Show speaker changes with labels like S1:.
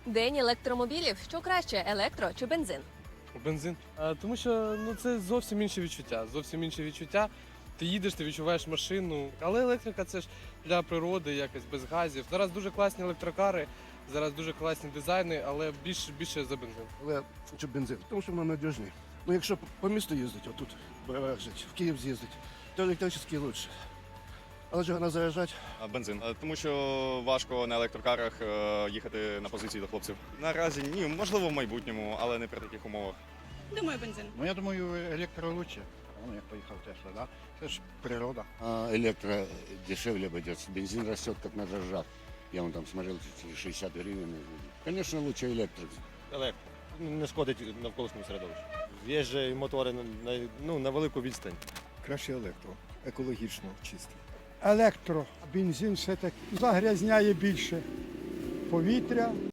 S1: День електромобілів. Що краще, електро чи бензин?
S2: Бензин. Тому що це зовсім інше відчуття. Зовсім інше відчуття. Ти їдеш, ти відчуваєш машину. Але електрика це ж для природи, якось без газів. Зараз дуже класні електрокари, зараз дуже класні дизайни, але більше за бензин.
S3: Але хочу бензин, тому що воно надіжний. Ну, якщо по місту їздити, отут жити, в Київ з'їздити, то електричний краще. Але ж вона заряджати.
S4: Бензин. Тому що важко на електрокарах їхати на позиції до хлопців. Наразі ні, можливо, в майбутньому, але не при таких умовах.
S5: Думаю, бензин.
S6: Ну, я думаю, електро лучше. Ну, як поїхав Тесла, да? Це ж природа.
S7: Электро дешевле обойдется. Бензин растет как на дрожжах. Я вон там смотрел, 60 гривен. Конечно, лучше электрик.
S8: Електро. Не шкодить навколишньому середовищу. Є ж і мотори на велику відстань.
S9: Краще електро, екологічно чисто.
S10: Електро, бензин все-таки загрязняє більше повітря.